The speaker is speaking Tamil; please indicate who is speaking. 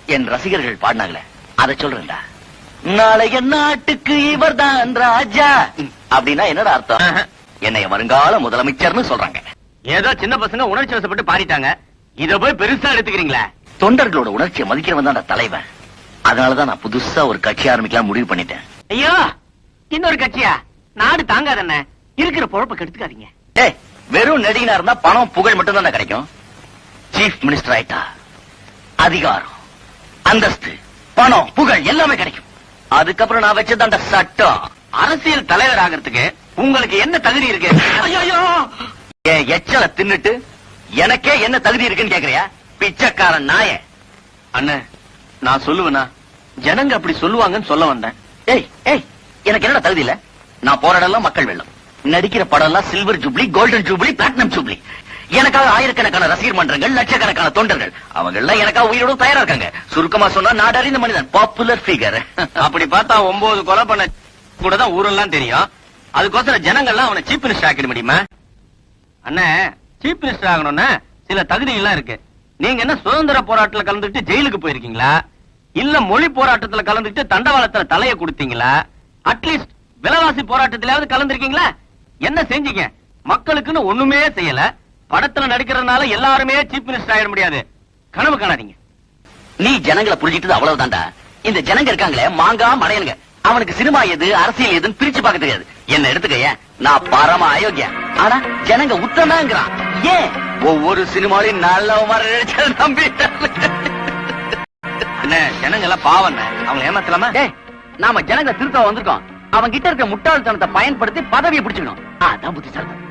Speaker 1: என் ரசிகர்கள் பாடினாங்களே அதை சொல்றேன்டா. நாளைய நாட்டுக்கு இவர்தான் ராஜா அப்படின்னா என்னடா அர்த்தம்? என்னை வருங்கால முதலமைச்சர்னு சொல்றாங்க.
Speaker 2: ஏதோ சின்ன பசங்க உணர்ச்சி வசப்பட்டு பாடிட்டாங்க, இத போய் பெருசா எடுத்துக்கிறீங்களா?
Speaker 1: தொண்டர்களோட உணர்ச்சியை மதிக்கிறவன் தான் தலைவன். அதனாலதான் நான் புதுசா ஒரு கட்சி ஆரம்பிக்கலாம் முடிவு பண்ணிட்டேன்.
Speaker 2: ஐயோ, இன்னொரு கட்சியா? நாடு தாங்காதண்ண, இருக்கிற பொழப்ப கெடுத்துக்காதீங்க.
Speaker 1: ஏய், வெறும் நடிகனா இருந்தா பணம் புகழ் மட்டும் தான் கிடைக்கும். சீஃப் மினிஸ்டர் ஆயிட்டா அதிகாரம், அந்தஸ்து, பணம், புகழ் எல்லாமே கிடைக்கும். அதுக்கப்புறம் நான் வச்சதாண்ட சட்டம்.
Speaker 2: அரசியல் தலைவர் ஆகிறதுக்கு உங்களுக்கு என்ன தகுதி இருக்கு?
Speaker 1: என் எச்சல தின்னுட்டு எனக்கே என்ன தகுதி இருக்குன்னு கேக்குறியா? பிச்சைக்காரன் நாய.
Speaker 2: அண்ணே, நான் சொல்லுவேனா? ஜனங்க அப்படி சொல்லுவாங்கன்னு சொல்ல வந்தேன்.
Speaker 1: ஏய் ஏய், எனக்கு என்னடா தகுதி இல்ல? நான் போற இடம்லாம் மக்கள் வெள்ளம். நடிக்கிற படம் எல்லாம் silver jubilee, golden jubilee, platinum jubilee. எனக்காக ஆயிரக்கணக்கான ரசிகர் மன்றங்கள், லட்சக்கணக்கான தொண்டர்கள், அவங்க எல்லாம் எனக்காக உயிரோட தயாரா இருக்காங்க. சுருக்கமா சொன்னா நாடறிந்த மனிதன், பாப்புலர் ஃபிகர்.
Speaker 2: அப்படி பார்த்தா 9 கொலை பண்ண கூட தான் ஊரெல்லாம் தெரியும். அதுக்கோசரம் ஜனங்கள்லாம் அவனை சீஃப் மினிஸ்டர் ஆக்கிட முடியுமா? அண்ணே, சீஃப் மினிஸ்டர் ஆகணும்னா சில தகுதி எல்லாம் இருக்கு. நீங்க என்ன சுதந்திர போராட்டத்துல கலந்துட்டு ஜெயிலுக்கு போயிருக்கீங்களா? இல்ல மொழி போராட்டத்துல கலந்துட்டு தண்டவாளத்துல தலைய கொடுத்தீங்களா? அட்லீஸ்ட் விலைவாசி போராட்டத்திலாவது கலந்துருக்கீங்களா? என்ன செஞ்சீங்க? மக்களுக்குன்னு ஒண்ணுமே செய்யல. படத்துல நடிக்கிறதுனால எல்லாருமே சீஃப் மினிஸ்டர் ஆயிட முடியாது. கனவு காணாதீங்க.
Speaker 1: நீ ஜனங்களை புரிஞ்சிட்டது அவ்வளவுதான்டா. இந்த ஜனங்க இருக்காங்களே மாங்கா மடையனுங்க, அவனுக்கு சினிமா எது அரசியல் எதுன்னு பிரிச்சு பார்க்க தெரியாது. என்ன எடுத்துக்கைய, நான் பரம அயோக்கியா. ஆனா ஜனங்க உத்தனாங்கிறான். ஏன்? ஒவ்வொரு சினிமாலையும் நல்ல நம்பி.
Speaker 2: அண்ணே, ஜனங்க எல்லாம் பாவம், அவங்க ஏமாத்தலாமா?
Speaker 1: நாம ஜனங்களை திருத்த வந்திருக்கோம். அவன் கிட்ட இருக்க முட்டாள்தனத்தை பயன்படுத்தி பதவியை பிடிச்சுக்கணும். அதான் புத்திசாலி.